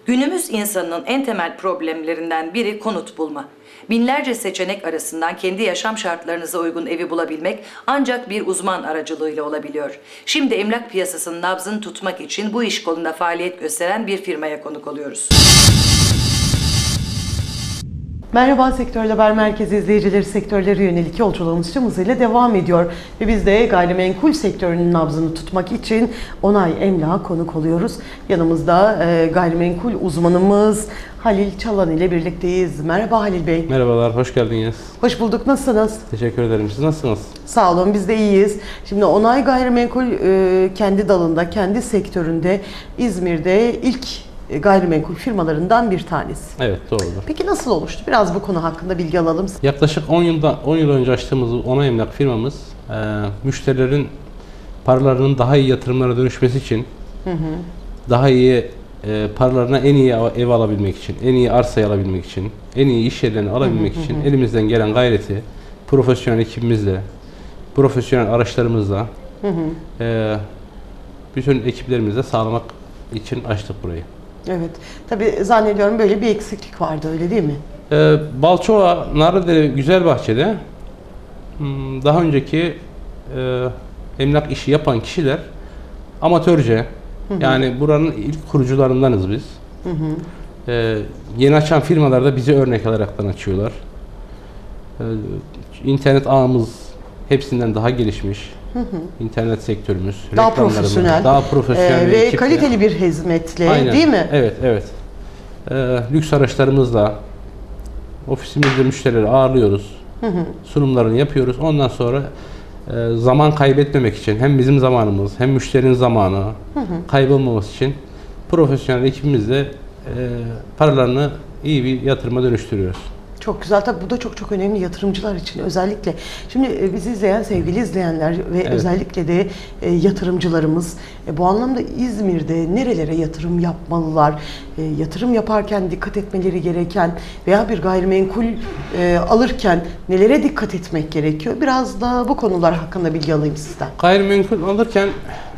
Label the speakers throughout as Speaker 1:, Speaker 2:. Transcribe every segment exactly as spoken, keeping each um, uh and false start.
Speaker 1: Günümüz insanının en temel problemlerinden biri konut bulma. Binlerce seçenek arasından kendi yaşam şartlarınıza uygun evi bulabilmek ancak bir uzman aracılığıyla olabiliyor. Şimdi emlak piyasasının nabzını tutmak için bu iş kolunda faaliyet gösteren bir firmaya konuk oluyoruz.
Speaker 2: Merhaba Sektör Haber Merkezi izleyicileri, sektörlere yönelik yolculuğumuz tüm hızıyla devam ediyor. Ve biz de gayrimenkul sektörünün nabzını tutmak için Onay Emlak'a konuk oluyoruz. Yanımızda e, gayrimenkul uzmanımız Halil Çalan ile birlikteyiz. Merhaba Halil Bey.
Speaker 3: Merhabalar, hoş geldiniz.
Speaker 2: Hoş bulduk, nasılsınız?
Speaker 3: Teşekkür ederim. Siz nasılsınız?
Speaker 2: Sağ olun, biz de iyiyiz. Şimdi Onay Gayrimenkul e, kendi dalında, kendi sektöründe İzmir'de ilk gayrimenkul firmalarından bir tanesi.
Speaker 3: Evet, doğrudur.
Speaker 2: Peki nasıl oluştu? Biraz bu konu hakkında bilgi alalım.
Speaker 3: Yaklaşık on yılda on yıl önce açtığımız Onay Emlak firmamız e, müşterilerin paralarının daha iyi yatırımlara dönüşmesi için, hı hı. daha iyi e, paralarına en iyi ev alabilmek için, en iyi arsayı alabilmek için, en iyi iş yerlerini alabilmek hı hı. için elimizden gelen gayreti profesyonel ekibimizle, profesyonel araçlarımızla, hı hı. E, bütün ekiplerimizle sağlamak için açtık burayı.
Speaker 2: Evet. Tabii zannediyorum böyle bir eksiklik vardı, öyle değil mi?
Speaker 3: Ee, Balçova, Narlıdere, Güzelbahçe'de daha önceki e, emlak işi yapan kişiler amatörce, hı hı. yani buranın ilk kurucularındanız biz. Hı hı. Ee, yeni açan firmalar da bizi örnek alaraktan açıyorlar. Ee, internet ağımız hepsinden daha gelişmiş. Hı hı. İnternet sektörümüz,
Speaker 2: daha profesyonel,
Speaker 3: daha profesyonel
Speaker 2: ee, ve ekiple. Kaliteli bir hizmetle,
Speaker 3: aynen.
Speaker 2: değil mi?
Speaker 3: Evet, evet. Ee, lüks araçlarımızla ofisimizde müşterileri ağırlıyoruz. Hı hı. Sunumlarını yapıyoruz. Ondan sonra e, zaman kaybetmemek için hem bizim zamanımız hem müşterinin zamanı hı hı. kaybolmaması için profesyonel ekibimizle e, paralarını iyi bir yatırıma dönüştürüyoruz.
Speaker 2: Çok güzel. Tabii bu da çok çok önemli yatırımcılar için özellikle. Şimdi bizi izleyen sevgili izleyenler ve evet. özellikle de e, yatırımcılarımız e, bu anlamda İzmir'de nerelere yatırım yapmalılar? E, yatırım yaparken dikkat etmeleri gereken veya bir gayrimenkul e, alırken nelere dikkat etmek gerekiyor? Biraz da bu konular hakkında bilgi alayım sizden.
Speaker 3: Gayrimenkul alırken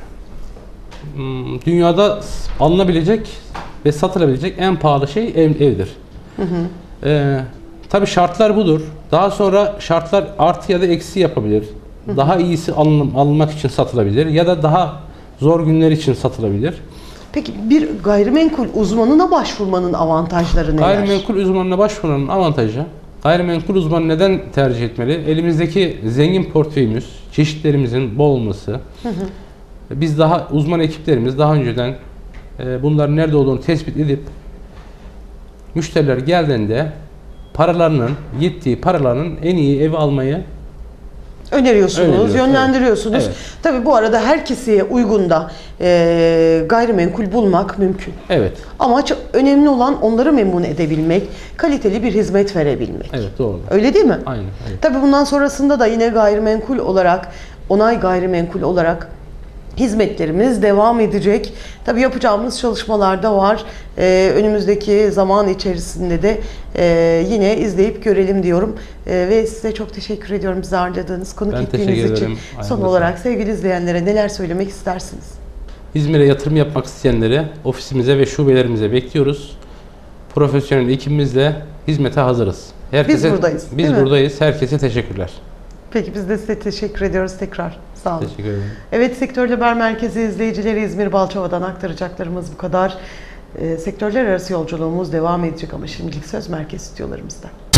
Speaker 3: dünyada alınabilecek ve satılabilecek en pahalı şey ev, evdir. Hı hı. E, Tabii şartlar budur. Daha sonra şartlar artı ya da eksi yapabilir. Hı hı. Daha iyisi alın, alınmak için satılabilir ya da daha zor günler için satılabilir.
Speaker 2: Peki bir gayrimenkul uzmanına başvurmanın avantajları neler?
Speaker 3: Gayrimenkul uzmanına başvurmanın avantajı, gayrimenkul uzmanı neden tercih etmeli? Elimizdeki zengin portföyümüz, çeşitlerimizin bol olması. Hı hı. Biz daha uzman ekiplerimiz daha önceden e, bunların nerede olduğunu tespit edip müşteriler geldiğinde paralarının, yettiği paralarının en iyi evi almayı
Speaker 2: öneriyorsunuz, yönlendiriyorsunuz. Evet. Tabii bu arada herkese uygun da e, gayrimenkul bulmak mümkün.
Speaker 3: Evet.
Speaker 2: Ama çok önemli olan onları memnun edebilmek, kaliteli bir hizmet verebilmek.
Speaker 3: Evet, doğru.
Speaker 2: Öyle değil mi?
Speaker 3: Aynen. Evet.
Speaker 2: Tabii bundan sonrasında da yine gayrimenkul olarak, Onay Gayrimenkul olarak hizmetlerimiz devam edecek. Tabii yapacağımız çalışmalar da var. Ee, önümüzdeki zaman içerisinde de e, yine izleyip görelim diyorum. E, ve size çok teşekkür ediyorum bizi ağırladığınız, konuk
Speaker 3: ben
Speaker 2: ettiğiniz için.
Speaker 3: Aynen.
Speaker 2: Son olarak sevgili izleyenlere neler söylemek istersiniz?
Speaker 3: İzmir'e yatırım yapmak isteyenleri ofisimize ve şubelerimize bekliyoruz. Profesyonel ekibimizle hizmete hazırız. Herkese,
Speaker 2: biz buradayız.
Speaker 3: Biz buradayız. Herkese teşekkürler.
Speaker 2: Peki biz de size teşekkür ediyoruz tekrar. Sağ olun.
Speaker 3: Teşekkür ederim.
Speaker 2: Evet, Sektör Haber Merkezi izleyicileri, İzmir Balçova'dan aktaracaklarımız bu kadar. E, sektörler arası yolculuğumuz devam edecek ama şimdilik söz merkez stüdyolarımızda.